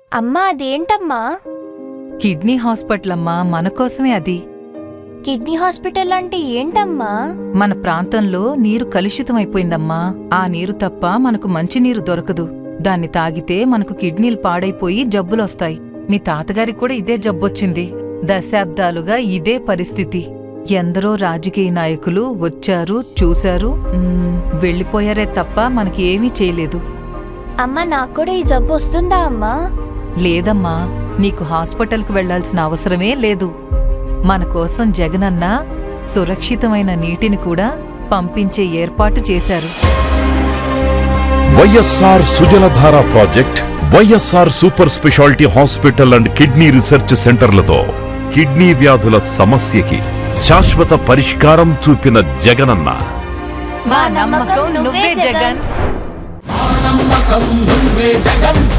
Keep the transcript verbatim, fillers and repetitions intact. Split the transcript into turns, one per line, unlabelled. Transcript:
అమ్మా అదేంటమ్మా?
Kidney hospital అమ్మా, మనకోసమే అది.
కిడ్నీ హాస్పిటల్ అంటే ఏంటమ్మా?
మన ప్రాంతంలో నీరు కలుషితమైపోయిందమ్మా. ఆ నీరు తప్ప మనకు మంచినీరు దొరకదు. దాన్ని తాగితే మనకు కిడ్నీలు పాడైపోయి జబ్బులొస్తాయి. మీ తాతగారికి కూడా ఇదే జబ్బొచ్చింది. దశాబ్దాలుగా ఇదే పరిస్థితి. ఎందరో రాజకీయ నాయకులు వచ్చారు, చూశారు, వెళ్ళిపోయారే తప్ప మనకి ఏమీ చేయలేదు.
అమ్మా నాకు కూడా ఈ జబ్బు వస్తుందా అమ్మా?
లేదమ్మా, నీకు హాస్పిటల్కు వెళ్లాల్సిన అవసరమే లేదు. మన కోసం జగనన్న సురక్షితమైన నీటిని కూడా పంపించే ఏర్పాటు చేశారు.
YSR Sujaladhara project, YSR super speciality hospital and kidney research సెంటర్లతో కిడ్నీ వ్యాధుల సమస్యకి శాశ్వత పరిష్కారం చూపిన జగనన్న.
మా నమ్మకం నువ్వే జగన్.
నమ్మకం నువ్వే జగన్.